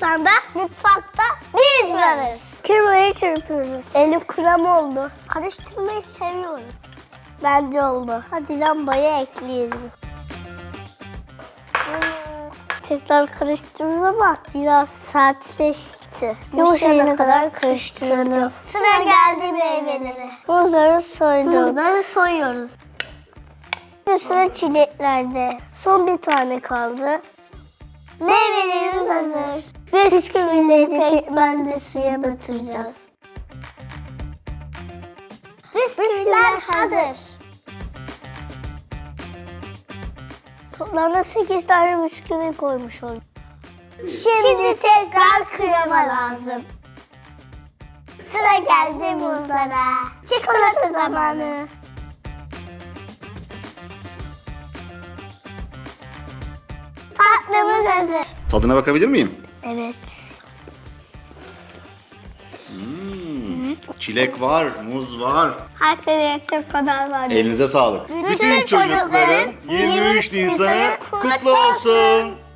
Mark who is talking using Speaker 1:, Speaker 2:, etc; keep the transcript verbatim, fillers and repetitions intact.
Speaker 1: Nisan'da mutfakta biz varız. Kırmayı çırpıyoruz. Elim krem oldu. Karıştırmayı seviyoruz. Bence oldu. Hadi lambayı ekleyelim. Tekrar karıştırıyoruz ama biraz sertleşti. Yumuşayana kadar karıştıracağız. Sıra geldi meyvelere. Muzları soydum. Muzları soyuyoruz. Şimdi sıra çileklerde. Son bir tane kaldı. Meyvelerimiz hazır. Bisküvileri pekmezli suya batıracağız. Bisküviler hazır. Toplamda sekiz tane bisküvi koymuş olduk. Şimdi, Şimdi tekrar krema lazım. Sıra geldi muzlara. Çikolata zamanı. Tatlımız hazır.
Speaker 2: Tadına bakabilir miyim?
Speaker 1: Evet.
Speaker 2: Hmm, çilek var, muz var.
Speaker 1: Herkese kadar var.
Speaker 2: Elinize sağlık.
Speaker 1: Bütün çocukların yirmi üç Nisan'ı kutlu olsun.